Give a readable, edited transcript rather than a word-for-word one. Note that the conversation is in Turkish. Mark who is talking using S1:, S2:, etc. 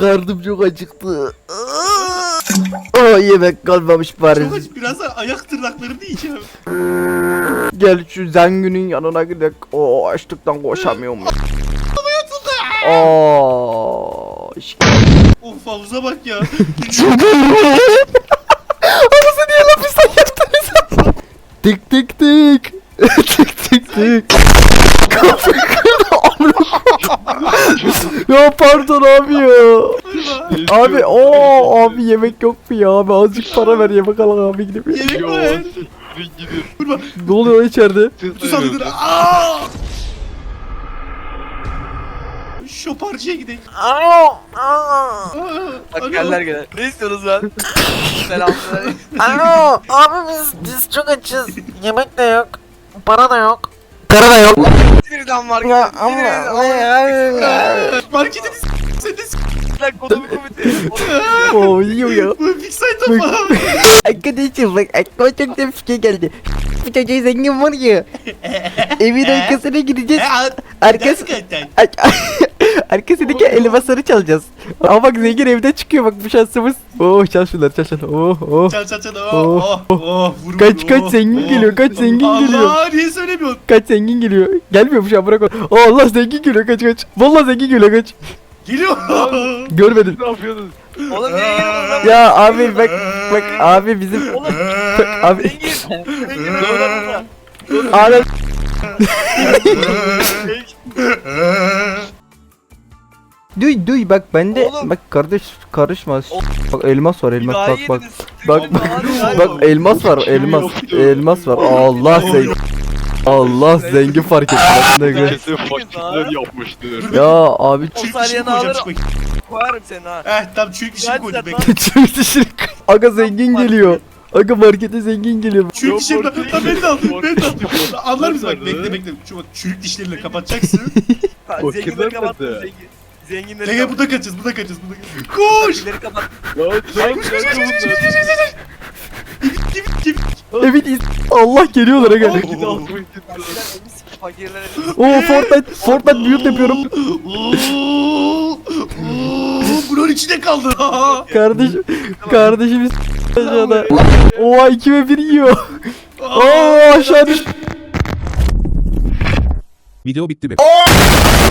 S1: Karnım çok acıktı. Yemek kalmamış bari.
S2: Çok aç. Biraz da ayak tırnaklarını yiyeceğim.
S1: Gel şu zenginin yanına gidelim. Açlıktan koşamıyorum.
S2: Of havuza bak ya.
S1: Havuzu niye lapisten yaptınız? Tık tık tık. Tık tık tık. Kapıyı kırdı. Ya pardon abi ya. Abi abi yemek yok mu ya abi, azıcık para ver yemek alalım abi gidip.
S2: Yemek var. Vurma.
S1: Ne oluyor içeride?
S2: Kutu saldır. Aaaa. Şoparcıya gidelim.
S3: Bak geller gene. Ne istiyorsunuz lan? Selamünaleyküm.
S4: Alo abi biz çok açız. Yemek de yok. Para da yok. Para da yok.
S3: Birden var.
S4: Ya ama
S2: Markete de sen de
S3: Lan kodumu komite.
S1: Yiyor ya.
S2: bu big site ama.
S1: Arkadaşım bak aklıma çok da fikir geldi. Bu çocuğu zengin var ya. Evin arkasına gideceğiz. Arkası... Arkasındaki elmasları çalacağız. Ama bak zengin evden çıkıyor bak bu şansımız. Çal şunları çal.
S2: Çal. Vur,
S1: Kaç zengin geliyor, kaç zengin geliyor.
S2: Allah niye söylemiyorsun?
S1: Kaç zengin geliyor. Gelmiyor şu an, bırak onu. Allah zengin geliyor, kaç. Vallahi zengin geliyor, kaç.
S2: Geliyor.
S1: Görmedim.
S3: Ne yapıyorsunuz? Oğlum niye geliyorsunuz lan?
S1: Ya abi bak abi bizim
S3: Oğlum.
S1: abi
S3: Zengin. Zengin öyle
S1: abi duy bak bende
S3: Oğlum.
S1: bak kardeş karışma. Bak elmas var, elmas
S3: İlahi
S1: bak.
S3: yediniz.
S1: Bak
S3: Vallahi
S1: bak elmas var, elmas var. Allah zengin. Allah zengin fark etti. Ne gör.
S5: Kesin fakirler yapmıştır.
S1: Ya abi
S3: O
S2: Çürük
S3: saniye
S2: dişimi koyacağım
S3: alır.
S2: şu bakayım.
S3: Koyarım seni ha.
S2: Tamam çürük dişimi
S3: Hadi
S2: koydum
S3: sen
S2: bekle.
S1: çürük dişini. Aga zengin geliyor. Aga markete zengin geliyor.
S2: Çürük dişimi lan beni de al. Beni de al.
S5: Fakirler
S2: Anlar mısın bak
S5: nerede?
S2: bekle. Şu bak çürük dişleriyle kapatacaksın.
S3: Zenginleri kapattım
S5: nerede?
S3: zengin. Zenginleri
S2: Gel
S3: kapattım.
S2: burada kaçacağız. Koş.
S3: Zenginleri kapattım.
S1: Evet Allah geliyorlar aga.
S3: Fakirlere
S1: Fortnite build yapıyorum.
S2: Bunun içinde kaldı.
S1: Kardeşimiz aşağıda. Oha 2 ve 1 yiyor. Aşağı düş.
S6: Video bitti be.